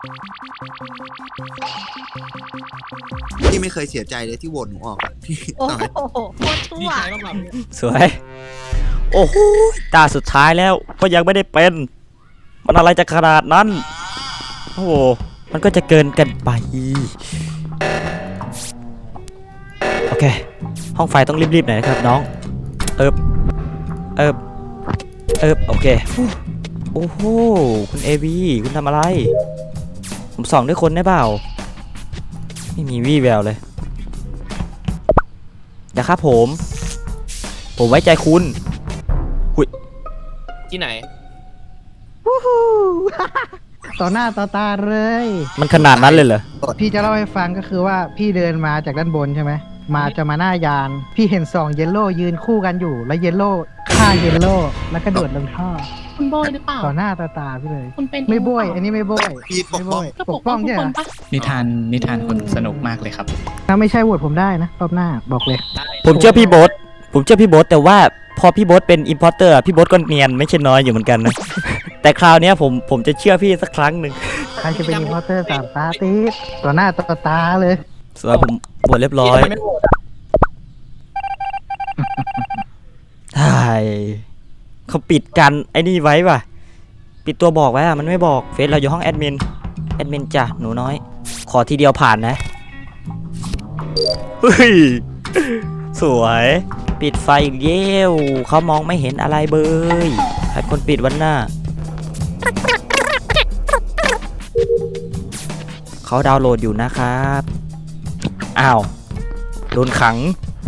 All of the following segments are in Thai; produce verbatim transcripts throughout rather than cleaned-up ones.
พี่ไม่เคยเสียใจเลยที่โหวตหนูออกอะพี่โอ้ตายโหโคตรชั่ดีวใจมากแบบสวย โอ้โหตาสุดท้ายแล้วก็ยังไม่ได้เป็น มันอะไรจะขนาดนั้น โอ้โหมันก็จะเกินกันไป โอเค ห้องไฟต้องรีบๆหน่อยนะครับน้อง เอิบเอิบเอิบโอเคโอ้โหคุณเอวีคุณทำอะไร ผมส่องด้วยคนได้เปล่า ไม่มีวี่แววเลยอย่าครับผม ผมไว้ใจคุณที่ไหนต่อหน้าต่อตาเลยมันขนาดนั้นเลยเหรอพี่จะเล่าให้ฟังก็คือว่าพี่เดินมาจากด้านบนใช่ไหมมาจะมาหน้ายาน พี่เห็นสองเยลโล่ยืนคู่กันอยู่ แล้วเยลโล่ฆ่าเยลโล่แล้วก็โดดลงท่อคุณโบยหรือเปล่าต่อหน้าต่อตาพี่เลยคุณเป็นไม่โบยอันนี้ไม่โบยพี่ปไม่กโบป้องยก็ปปกกป้ป้ออง งทุกใช่คเหรนอปะนิทานนิทานคนสนุกมากเลยครับถ้าไม่ใช่โหวตผมได้นะรอบหน้าบอกเลยผมเชื่อพี่โบ๊ทผมเชื่อพี่โบ๊ทแต่ว่าพอพี่โบ๊ทเป็นอิมพอร์เตอร์พี่โบ๊ทก็เนียนไม่ใช่น้อยอยู่เหมือนกันนะ แต่คราวเนี้ยผมผมจะเชื่อพี่สักครั้งหนึ่งใครจะเป็นอินพอร์เตอร์สามตาตีดต่อหน้าต่อตาเลยสำหรับผมบวชเรียบร้อยทำไมไม่โหวตอะใช่เขาปิดกันไอ้นี่ไว้ป่ะ ปิดตัวบอกไว้อะมันไม่บอกเฟซเราอยู่ห้องแอดมินแอดมินจ้ะหนูน้อย ขอทีเดียวผ่านนะเฮ้ยสวยปิดไฟอีกเย้วเขามองไม่เห็นอะไรเบยใครคนปิดวันหน้าเขาดาวน์โหลดอยู่นะครับอ้าวโดนขัง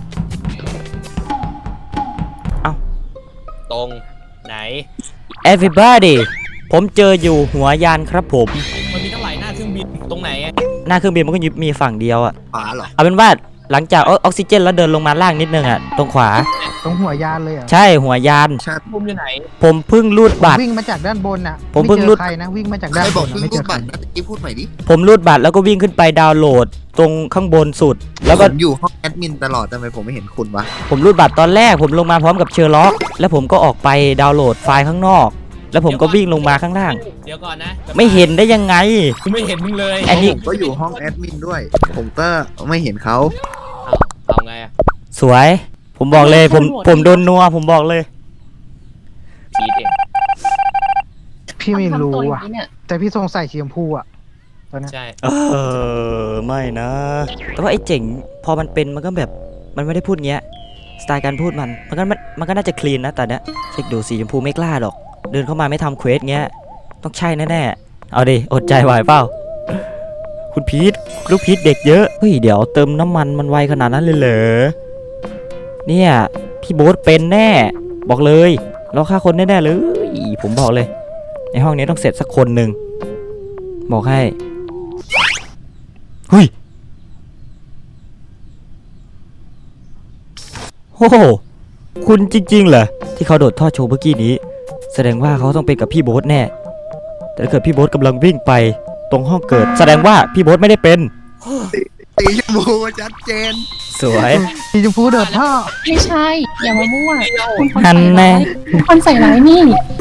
ตรงไหน everybody ผมเจออยู่หัวยานครับผมมันมีตั้งหลายหน้าเครื่องบินตรงไหนอะหน้าเครื่องบินมันก็มีฝั่งเดียวอะขวาเหรอเอาเป็นว่าหลังจากออกซิเจนแล้วเดินลงมาล่างนิดนึงอะตรงขวาตรงหัวยานเลยเหรอ่ะใช่หัวยานใช่มุมอยู่ไหนผมเพิ่งรูดบัตรวิ่งมาจากด้านบนอ่ะผมเพิ่งรุดไจอใครนะวิ่งมาจากใคด้าร นบบ อกนเพิ่งไม่รูเจดอใครบัตรนะตะกี้พูดใหม่ดิผมรูดบัตรแล้วก็วิ่งขึ้นไปดาวน์โหลด ตรงข้างบนสุด แล้วก็ผมอยู่ห้องแอดมินตลอดทำไมผมไม่เห็นคุณวะผมรูดบัตรตอนแรกผมลงมาพร้อมกับเชอร์ล็อก แล้วผมก็ออกไปดาวน์โหลดไฟล์ข้างนอก แล้วผมก็วิ่งลงมาข้างล่างเดี๋ยวก่อนนะไม่เห็นได้ยังไงกูไม่เห็นมึงเลยอันนี้ผมก็อยู่ห้องแอดมินด้วย ผมก็ไม่เห็นเขาเอาเอาไงอะสวย ผมบอกเลยผมผมโดนนัวผมบอกเลยพีทเองพี่ไม่รู้ทำตัวอย่าอ่ะงนี้เนี่ยแต่พี่สงสัยสีชมพูอ่ะตอนเนี้ยใช่เออไม่นะ แต่ว่าไอ้เจ๋งพอมันเป็นมันก็แบบมันไม่ได้พูดเงี้ยสไตล์การพูดมันมันก็มันมันก็น่าจะคลีนนะแต่เนี้ยเช็คดูสีชมพูไม่กล้าหรอก เดินเข้ามาไม่ทำเควสเงี้ยต้องใช่แน่ๆเอาดิอดใจไหวเปล่าคุณพีทลูกพีทเด็กเยอะเฮ้ยเดี๋ยวเติมน้ำมันมันไวขนาดนั้นเลยเหรอเนี่ยพี่โบ๊ทเป็นแน่บอกเลยเราฆ่าคนแน่ๆเลยผมบอกเลยในห้องนี้ต้องเสร็จสักคนหนึ่งบอกให้เฮ้ยโอ้โหคุณจริงๆเหรอที่เขาโดดท่อโชว์เมื่อกี้นี้แสดงว่าเขาต้องเป็นกับพี่โบ๊ทแน่แต่ถ้าเกิดพี่โบ๊ทกำลังวิ่งไปตรงห้องเกิดแสดงว่าพี่โบ๊ทไม่ได้เป็นสีชมพูชัดเจนสวยสีชมพูโดดท่อไม่ใช่ อย่ามามั่วคุณคนหัใส่นแน่ร้ายคุณคนใส่ร้ายนี่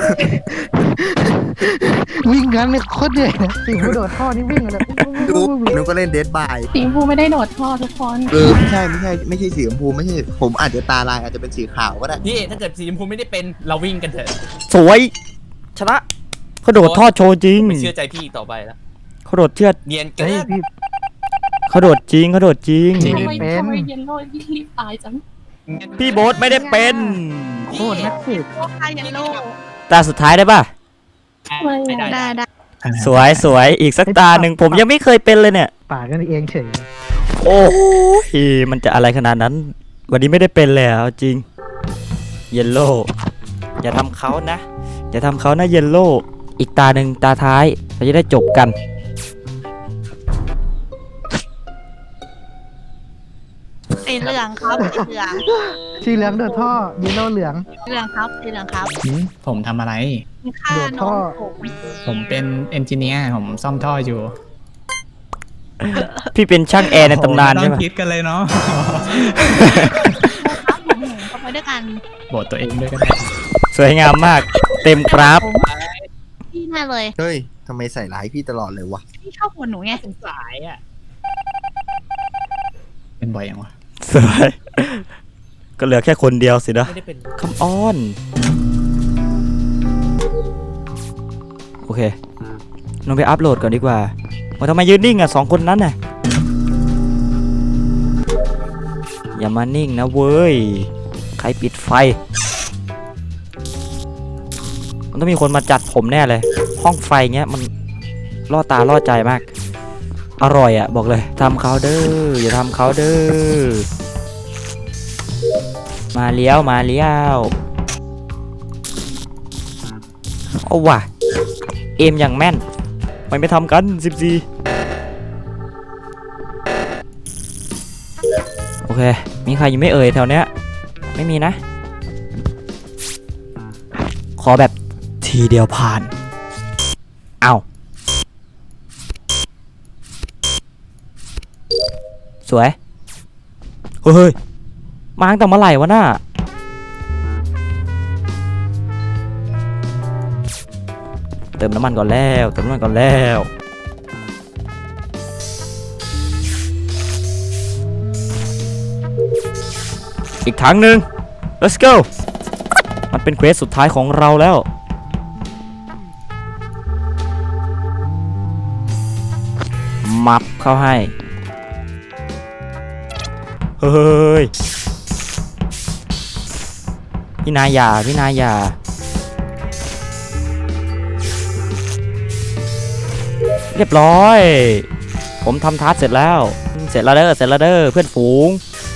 วิ่งกันเนี่ยโคตรเหนื่อยนะสีชมพูโดดท่อนี่วิ่งเลยดูหนูก็เล่นเดดบายสีชมพูไม่ได้โดดท่อทุกคนเออไม่ใช่ไม่ใช่ไม่ใช่สีชมพูไม่ใช่ผมอาจจะตาลายอาจจะเป็นสีขาวก็ได้พี่ถ้าเกิดสีชมพูไม่ได้เป็นเราวิ่งกันเถอะสวยชนะเขาโดดท่อโชว์จริงไม่เชื่อใจพี่อีกต่อไปแล้วเขาโดดเชือดเนียนเกิเฮ้ยนพี่เขาโดดจริงเขาโดดจริงจริงทำไมเป็นทำไมเยนโลที่รีบตายจังพี่โบ๊ทไม่ได้เป็นโคตรนักสืบโอ้คาเยนโลตาสุดท้ายได้ป่ะไม่ได้ได้ได้สวยสวยอีกสักตาหนึ่งผมยังไม่เคยเป็นเลยเนี่ยป่ากันเองเฉยโอ้ยมันจะอะไรขนาดนั้น วันนี้ไม่ได้เป็นเลยอ่ะเอาจริงเยลโล่อย่าทำเขานะ อย่าทำเขานะเยลโล่อีกตาหนึ่งตาท้ายเราจะได้จบกันสีเหลืองครับสีเหลืองสีเหลืองโดดท่อเยลโล่เหลืองเหลืองครับสีเหลืองครับหืมผมทำอะไรมีค่าโดดน้ท่อองผมผมเป็นเอนจิเนียร์ผมซ่อมท่ออยู่พี่เป็นช่างแอร์ในตำนานโอ้ใช่โหไหมไม่ต้องคิดกันเลยเนาะครับผมเข้าไปด้วยกันโบทตัวเองด้วยก็ได้สวยงามมาก เต็มกราฟพี่แน่เลยเฮ้ยทำไมใส่ร้ายพี่ตลอดเลยวะพี่ชอบหัวหนูไงสงสายอ่ะเป็นบ่อยยังวะสวยก็เหลือแค่คนเดียวสินะไม่ได้เป็นคัมออน โอเคลองไปอัพโหลดก่อนดีกว่ามาทำไมยืนนิ่งอ่ะสองคนนั้นน่ะอย่ามานิ่งนะเว้ยใครปิดไฟมันต้องมีคนมาจัดผมแน่เลยห้องไฟเงี้ยมันล่อตาล่อใจมากอร่อยอ่ะบอกเลยทำเขาเด้ออย่าทำเขาเด้อมาเลี้ยวมาเลี้ยวเอาว่ะเอมอย่างแม่นมันไม่ทำกันสิบสี่โอเคมีใครยังไม่เอ่ยแถวเนี้ยไม่มีนะขอแบบทีเดียวผ่านเอาสวยเฮ้ยมาตั้งแต่เมื่อไหร่วะน่ะเติมน้ำมันก่อนแล้วเติมน้ำมันก่อนแล้วอีกถังหนึ่ง let's go มันเป็นเควสสุดท้ายของเราแล้วมับเข้าให้เฮ้ยพี่นายอย่าพี่นายอย่าเรียบร้อยผมทำทัสเสร็จแล้วเสร็จแล้วเด้อเสร็จแล้วเด้อเพื่อนฝูง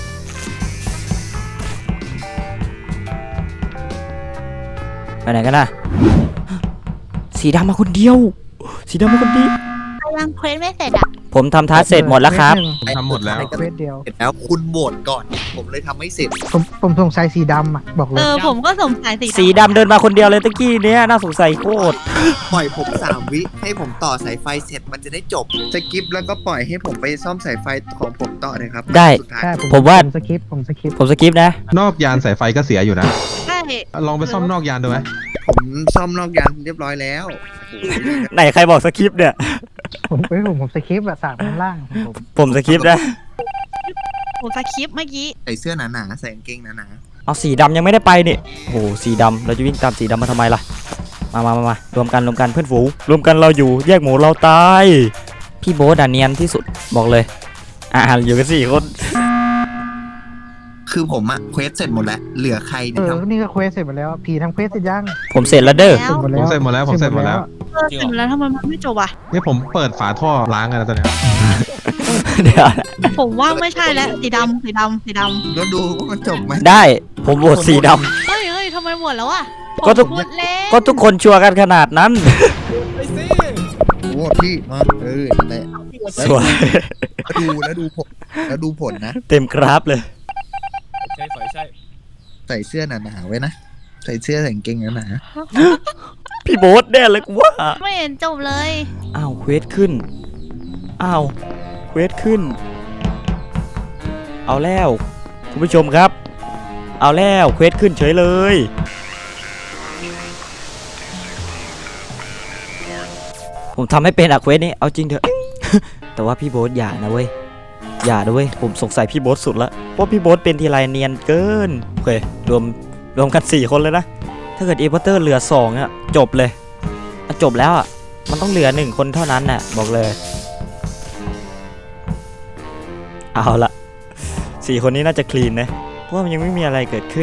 ไปไหนกันนะสีดำมาคนเดียวสีดำมาคนเดียวยังเควสไม่เสร็จอ่ะผมทำทัสเสร็จหมดแล้วครับผมทำหมดแล้วเควสเดียวเสร็จแล้วคุณโหวตก่อน ผมเลยทำไม่เสร็จผมผมสงสัยสีดำอ่ะบอกเลเอย อผมก็สงสัยสีสีดำเดินมาคนเดียวเลยตะกี้เนี้ยน่าสงสัยโคตรปล่อยผมสามวิให้ผมต่อสายไฟเสร็จมันจะได้จบสกิปแล้วก็ปล่อยให้ผมไปซ่อมสายไฟของผมต่อเลยครับได้สุดท้ายใช่ผมว่าสคริปต์ผมสคริปต์ผมสกิปนะนอกยานสายไฟก็เสียอยู่นะใช่ลองไปซ่อมนอกยานดูไหมผมซ่อมนอกยานเรียบร้อยแล้วโอ้โหไหนใครบอกสคริปต์เนี่ยผมไปผมผมสคริปต์อะสามข้างล่างของผมผมสคริปต์นะผมสคริปต์เมื่อกี้ใส่เสื้อหนาๆใส่กางเกงหนาเอาสีดำยังไม่ได้ไปนี่โอ้โหสีดำเราจะวิ่งตามสีดำมาทำไมล่ะมามามามารวมกันรวมกันเพื่อนฝูงรวมกันเราอยู่แยกหมูเราตายพี่โบ๊ทอะเนียนที่สุดบอกเลยอ่าอยู่กันสี่คนๆคือผมอะเควสเสร็จหมดแล้ว เหลือใครเอเนี่ยอครับนี่ก็เควสเสร็จหมดแล้วผีทำเควสเสร็จยังผมเสร็จแล้วเด้อแล้วเสร็จหมดผแล้วมเสร็จหมดแล้วผมเสร็จหมดแล้วเออเสร็จแล้วทำไมมันไม่จบอ่ะนี่ผมเปิดฝาท่อล้างกันแล้วตอนเนี้ยเดี๋ยวผมว่าไม่ใช่แล้วสีดำสีดำสีดแล้วดูว่ามันจบไหมได้ผมโหวตสีดำเฮ้ยเฮ้ยทำไมหมดแล้วอ่ะก็ทุกผมพูดเล่นำก็ทุกคนชัวร์กันขนาดนั้นไปสิโอ้พี่มาเออนั่นแหละสวยแล้วดูแล้วดูผลแล้วดูผลนะเต็มกราฟเลยใช่ฝอยใช่ใส่เสื้อหนาๆไว้นะ ใส่เสื้อใส่กางเกงหนาพี่โบ๊ทแน่เลยกูว่าไม่เห็นจบเลยอ้าวเควสขึ้นอ้าวเควสขึ้น เอาแล้วคุณผู้ชมครับ เอาแล้วเควสขึ้นเฉยเลย ผมทำให้เป็นอะเควสนี้เอาจริงเถอะ แต่ว่าพี่โบ๊ทอย่านะเว้ยอย่านะเว้ยผมสงสัยพี่โบ๊ทสุดละเพราะพี่โบ๊ทเป็นทีไรเนียนเกินโอเครวมรวมกันสี่คนเลยนะถ้าเกิดเอเวอร์เตอร์เหลือสองอะจบเลยอะจบแล้วอะมันต้องเหลือหนึ่งคนเท่านั้นน่ะบอกเลยเอาละสี่คนนี้น่าจะคลีนนะเพราะว่ามันยังไม่มีอะไรเกิดขึ้น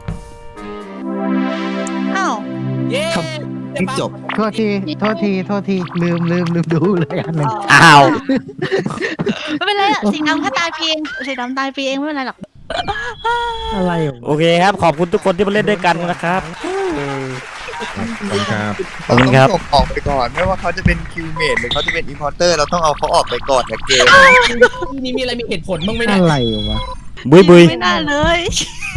อ้าวเย้ๆที่จบโทษทีโทษทีโทษทีลืมลืมลืมดูเลยอันหนึ่งอ้าวไม่เป็นไรอะสีดำแค่ตายเพียงสีดำตายเพียงไม่เป็นไรหรอกอะไรวะโอเคครับขอบคุณทุกคนที่มาเล่นด้วยกันนะครับขอบคุณครับขอบคุณครับเราต้องส่งออกไปก่อนไม่ว่าเขาจะเป็นคิวเมดหรือเขาจะเป็นอินพอร์เตอร์เราต้องเอาเขาออกไปก่อนจากเกมที่นี่มีอะไรมีเหตุผลบ้างไหมเนี่ยอะไรวะบุยบุยไม่น่าเลย